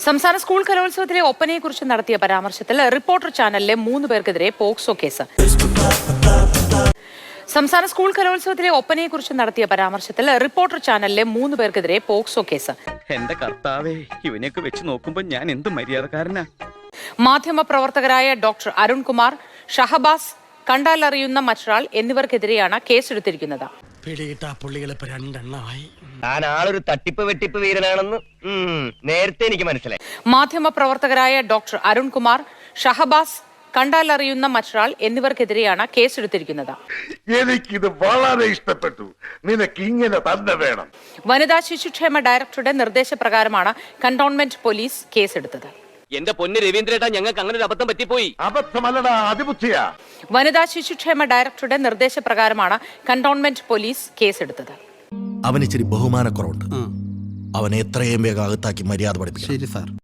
സംസ്ഥാന സ്കൂൾ കലോത്സവത്തിലെ ഒപ്പനയെക്കുറിച്ച് നടത്തിയ പരാമർശത്തിൽ റിപ്പോർട്ടർ ചാനലിലെ 3 പേർക്കെതിരെ പോക്സോ കേസ്. സംസ്ഥാന സ്കൂൾ കലോത്സവത്തിലെ ഒപ്പനയെക്കുറിച്ച് നടത്തിയ പരാമർശത്തിൽ റിപ്പോർട്ടർ ചാനലിലെ 3 പേർക്കെതിരെ പോക്സോ കേസ്. എന്റെ കർത്താവേ, ഇവനെയൊക്കെ വെച്ച് നോക്കുമ്പോൾ ഞാൻ എന്ത് മര്യാദക്കാരനാ. മാധ്യമപ്രവർത്തകരായ ഡോക്ടർ അരുൺകുമാർ, ഷഹബാസ്, കണ്ടാലറിയുന്ന മറ്റൊരാൾ എന്നിവർക്കെതിരെയാണ് കേസെടുത്തിരിക്കുന്നത്. താൻ ആളൊരു തട്ടിപ്പ് വെട്ടിപ്പ് വീരനാണെന്ന് നേരത്തെ എനിക്ക് മനസ്സിലായി. മാധ്യമപ്രവർത്തകരായ ഡോക്ടർ അരുൺകുമാർ, ഷഹബാസ്, കണ്ടാലറിയുന്ന മറ്റൊരാൾ എന്നിവർക്കെതിരെയാണ് കേസെടുത്തിരിക്കുന്നത്. എനിക്കിത് വളരെ ഇഷ്ടപ്പെട്ടു. നിനക്ക് ഇങ്ങനെ തന്നെ വേണം. വനിതാ ശിശുക്ഷേമ ഡയറക്ടറുടെ നിർദ്ദേശപ്രകാരമാണ് കന്റോൺമെന്റ് പോലീസ് കേസെടുത്തത്. എന്റെ പൊന്ന് രവീന്ദ്രേട്ടാ, ഞങ്ങൾക്ക് അങ്ങനെ ഒരു അബദ്ധം പറ്റിപ്പോയി. അബദ്ധമല്ലടാ, അതിബുദ്ധിയാ. വനിതാ ശിശുക്ഷേമ ഡയറക്ടറുടെ നിർദ്ദേശപ്രകാരമാണ് കന്റോൺമെന്റ് പോലീസ് കേസെടുത്തത്. അവന് ഇച്ചിരി ബഹുമാനക്കുറവുണ്ട്. അവനെ എത്രയും വേഗം അകത്താക്കി മര്യാദ പഠിപ്പിക്കും. ശരി സാർ.